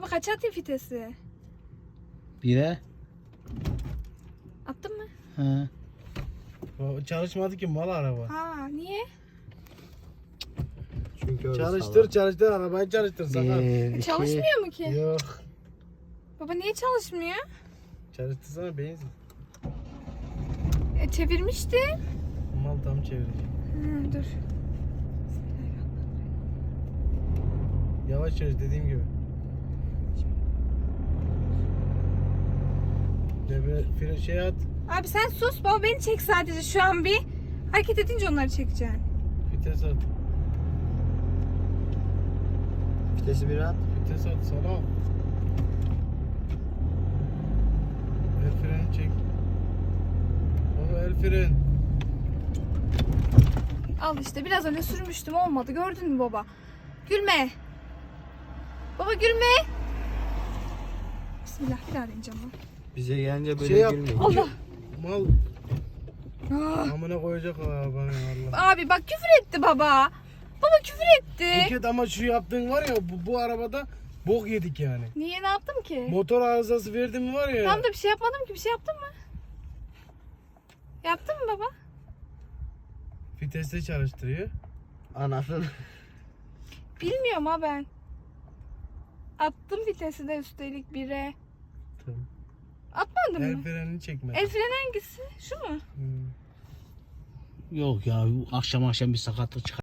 Baba kaça atayım vitesi? 1'e. Attın mı? Ha. O çalışmadı ki mal araba. Ha niye? Çünkü öyle Çalıştır arabayı çalıştır sakar. 1, 2. Çalışmıyor mu ki? Yok. Baba niye çalışmıyor? Çalıştırsana benzin. Çevirmişti. Mal tam çevirecek. Dur. Yavaş çalış dediğim gibi. Devre şey at. Abi sen sus, baba beni çek sadece şu an bir. Hareket edince onları çekeceksin. Vites at. Vitesi bir at. Vites at sana. El freni çek. Baba el fren. Al işte biraz önce sürmüştüm, olmadı, gördün mü baba? Gülme. Baba gülme. Bismillah, bir daha deneyeceğim baba. Bize gelince böyle Şey yap. gülmeyin. Allah. Mal Ah. amına koyacak arabanı Allah. Abi bak küfür etti baba. Baba küfür etti. Buket ama şu yaptığın var ya bu arabada bok yedik yani. Niye, ne yaptım ki? Motor arızası verdim mi var ya. Tam da bir şey yapmadım ki, bir şey yaptın mı? Yaptın mı baba? Viteste çalıştırıyor. Anasını. Bilmiyorum ha ben. Attım vitesi de üstelik 1'e. Tamam. Atmadın El mı? frenini çekme. El freni hangisi? Şu mu? Hmm. Yok ya akşam bir sakatlık çıkar.